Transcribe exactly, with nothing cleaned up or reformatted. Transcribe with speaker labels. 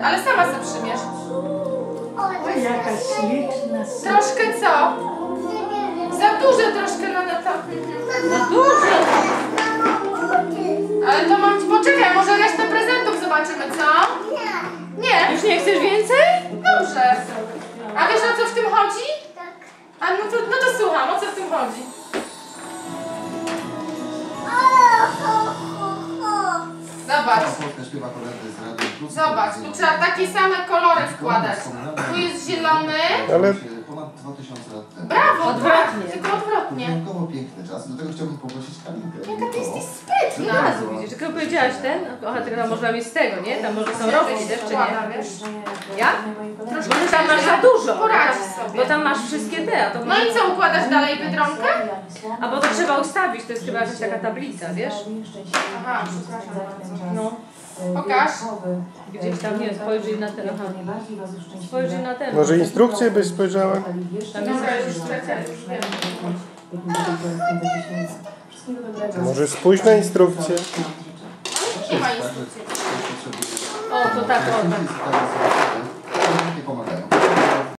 Speaker 1: Ale sama sobie przymierz.
Speaker 2: Oj, jaka śliczna.
Speaker 1: Troszkę co? Za duże troszkę na to.
Speaker 2: Za dużo.
Speaker 1: Ale to mam... Poczekaj, może resztę prezentów zobaczymy, co? Nie.
Speaker 2: Już nie chcesz więcej?
Speaker 1: Dobrze. A wiesz, o co w tym chodzi? A no to, no to słucham, o co w tym chodzi? Zobacz. Zobacz, tu trzeba takie same kolory wkładać. Tu jest zielony.
Speaker 3: Ale
Speaker 4: ponad dwa tysiące lat temu.
Speaker 1: Brawo,
Speaker 2: Odwrotnie.
Speaker 1: tak, tylko odwrotnie.
Speaker 4: Wyjątkowo piękny czas, do tego chciałbym poprosić Kalinkę.
Speaker 1: Jaka ty jesteś
Speaker 2: No
Speaker 1: sprytna.
Speaker 2: raz widzisz, tylko powiedziałaś ten, aha, tylko tam można mieć z tego, nie? Tam może są rogi też, czy nie?
Speaker 1: wiesz?
Speaker 2: Ja? Może tam masz za dużo.
Speaker 1: Poradź sobie.
Speaker 2: Bo tam masz wszystkie te, a to
Speaker 1: No i co, układasz dalej Biedronkę?
Speaker 2: A bo to trzeba ustawić, to jest chyba jakaś taka tablica, wiesz?
Speaker 1: Aha, przepraszam bardzo.
Speaker 2: No.
Speaker 1: Pokaż.
Speaker 2: Gdzieś tam, nie, spojrzyj na ten, aha. Spojrzyj na ten.
Speaker 3: może instrukcję byś spojrzała?
Speaker 2: Tam jest
Speaker 1: Dobra, już lecę, już wiem.
Speaker 3: Może spójrz na instrukcję.
Speaker 1: Nie ma instrukcji.
Speaker 2: O, to tak, o, tak.
Speaker 4: Nie pomagają.